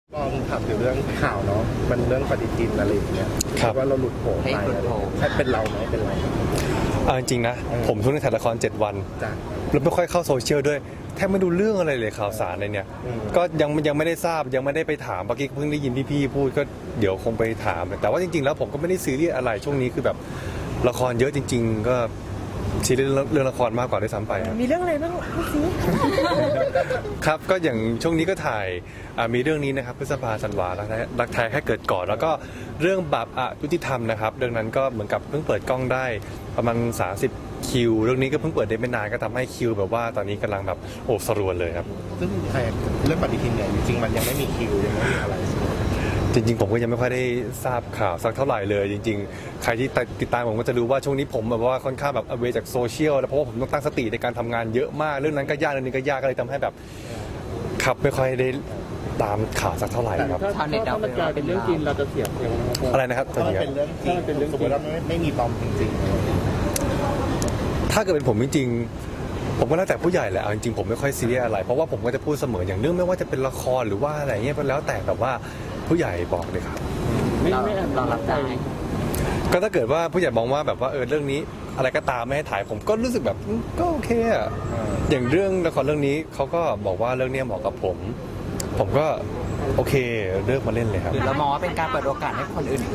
ลองถามถึงเรื่องข่าวเนาะมันเรื่องปฏิทินอะไรอย่างเงี้ยว่าเราหลุดโผล่ไปใช่เป็นเราไหมเป็นเราจริงๆนะผมช่วงนี้ถ่ายละคร7 วันแล้วไม่ค่อยเข้าโซเชียลด้วยแทบไม่ดูเรื่องอะไรเลยข่าวสารอะไรเนี่ยก็ยังไม่ได้ทราบยังไม่ได้ไปถามเมื่อกี้เพิ่งได้ยินพี่ๆพูดก็เดี๋ยวคงไปถามแต่ว่าจริงๆแล้วผมก็ไม่ได้ซีเรียสอะไรช่วงนี้คือแบบละครเยอะจริงๆก็ซีเรียสเรื่องละครมากกว่าด้วยซ้ำไปมีเรื่องอะไรบ้างพูดสิครับก็อย่างช่วงนี้ก็ถ่ายมีเรื่องนี้นะครับพฤษภาธันวารักแท้แค่เกิดก่อนแล้วก็เรื่องบาปอยุติธรรมนะครับเรื่องนั้นก็เหมือนกับเพิ่งเปิดกล้องได้ประมาณ30คิวเรื่องนี้ก็เพิ่งเปิดได้ไม่นานก็ทำให้คิวแบบว่าตอนนี้กำลังแบบโอ้สรวนเลยครับซึ่งเรื่องปฏิทินเนี่ยจริงๆมันยังไม่มีคิวยังไม่มีอะไรจริงๆผมก็ยังไม่ค่อยได้ทราบข่าวสักเท่าไหร่เลยจริงๆใครที่ติดตามผมก็จะรู้ว่าช่วงนี้ผมแบบว่าค่อนข้างแบบเวจากโซเชียลแล้วเพราะว่าผมต้องตั้งสติในการทำงานเยอะมากเรื่องนั้นก็ยากเรื่องนี้ก็ยากก็เลยทำให้แบบขับไม่ค่อยได้ตามข่าวสักเท่าไหร่ครับถ้ามันกลายเป็นเรื่องจริงเราจะเสียอะไรนะครับถ้ามันเป็นเรื่องจริงสมมติว่าไม่มีปลอมจริงๆถ้าเกิดเป็นผมจริงๆผมก็แล้วแต่ผู้ใหญ่แหละจริงๆผมไม่ค่อยซีเรียสอะไรเพราะว่าผมก็จะพูดเสมออย่างเรื่องไม่ว่าจะเป็นละครหรือว่าอะไรเงี้ยแล้วแต่แบบว่าผู้ใหญ่บอกเลยครับเรารับได้ก็ถ้าเกิดว่าผู้ใหญ่มองว่าแบบว่าเรื่องนี้อะไรก็ตามไม่ให้ถ่ายผมก็รู้สึกแบบก็โอเคอะอย่างเรื่องละครเรื่องนี้เขาก็บอกว่าเรื่องนี้เหมาะกับผมก็โอเคเลือกมาเล่นเลยครับหรือเรามองว่าเป็นการเปิดโอกาสให้คนอื่น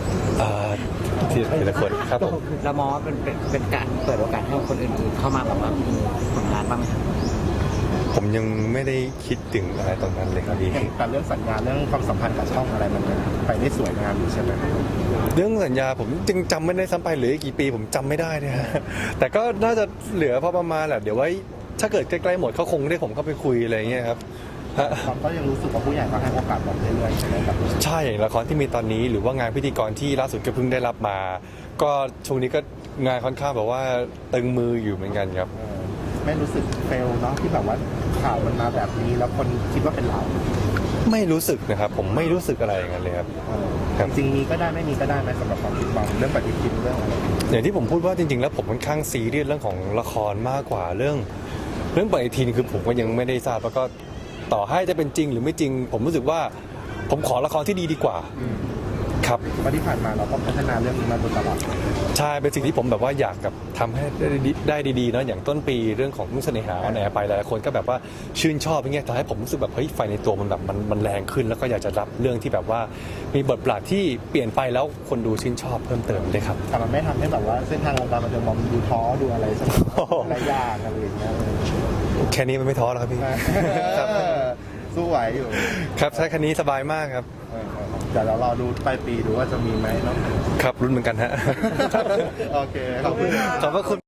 ทีละคนครับผมเรามองว่าเป็นการเปิดโอกาสให้คนอื่นเข้ามาแบบว่ามีผลงานบ้างไหมผมยังไม่ได้คิดถึงอะไรตรงนั้นเลยครับพี่แต่เรื่องสัญญาเรื่องความสัมพันธ์กับช่องอะไรมันไปได้สวยงามอยู่ใช่ไหมเรื่องสัญญาผมจึงจำไม่ได้ซ้ำไปเหลือกี่ปีผมจำไม่ได้เนี่ยแต่ก็น่าจะเหลือพอประมาณแหละเดี๋ยวไว้ถ้าเกิดใกล้ๆหมดเขาคงได้ผมเข้าไปคุยอะไรเงี้ยครับก็ยังรู้สึกว่าผู้ใหญ่ก็ให้โอกาสผมเรื่อยๆใช่ไหมครับใช่ละครที่มีตอนนี้หรือว่างานพิธีกรที่ล่าสุดก็เพิ่งได้รับมาก็ช่วงนี้ก็งานค่อนข้างแบบว่าตึงมืออยู่เหมือนกันครับไม่รู้สึกเฟลเนาะที่แบบว่าข่าวมันมาแบบนี้แล้วคนคิดว่าเป็นเราไม่รู้สึกนะครับผมไม่รู้สึกอะไรอย่างนั้นเลยครับจริงมีก็ได้ไม่มีก็ได้ไหมสำหรับความคิดบางเรื่องปฏิทินเรื่องอะไรอย่างที่ผมพูดว่าจริงๆแล้วผมค่อนข้างซีเรียสเรื่องของละครมากกว่าเรื่องปฏิทินคือผมก็ยังไม่ได้ทราบแล้วก็ต่อให้จะเป็นจริงหรือไม่จริงผมรู้สึกว่าผมขอละครที่ดีกว่าครับที่ผ่านมาเราก็พัฒนาเรื่องนี้มาโดยตลอดใช่เป็นสิ่งที่ผมแบบว่าอยากกับทำให้ได้ดีๆเนาะอย่างต้นปีเรื่องของนุ่งเสน่หาแหนไปหลายคนก็แบบว่าชื่นชอบอย่างเงี้ยทำให้ผมรู้สึกแบบเฮ้ยไฟในตัวมันแบบมันแรงขึ้นแล้วก็อยากจะรับเรื่องที่แบบว่ามีบทบาทที่เปลี่ยนไปแล้วคนดูชื่นชอบเพิ่มเติมได้ครับแต่มันไม่ทำให้แบบว่าเส้นทางวงการบันเทิงมองดูท้อดูอะไรสักหลายอย่างอะไรอย่างเงี้ยแค่นี้มันไม่ท้อแล้วครับพี่สู้ไหวอยู่ครับใช้คันนี้สบายมากครับแต่เรารอดูปลายปีดูว่าจะมีไหมเนาะครับรุ่นเหมือนกันฮะโอเคขอบคุณ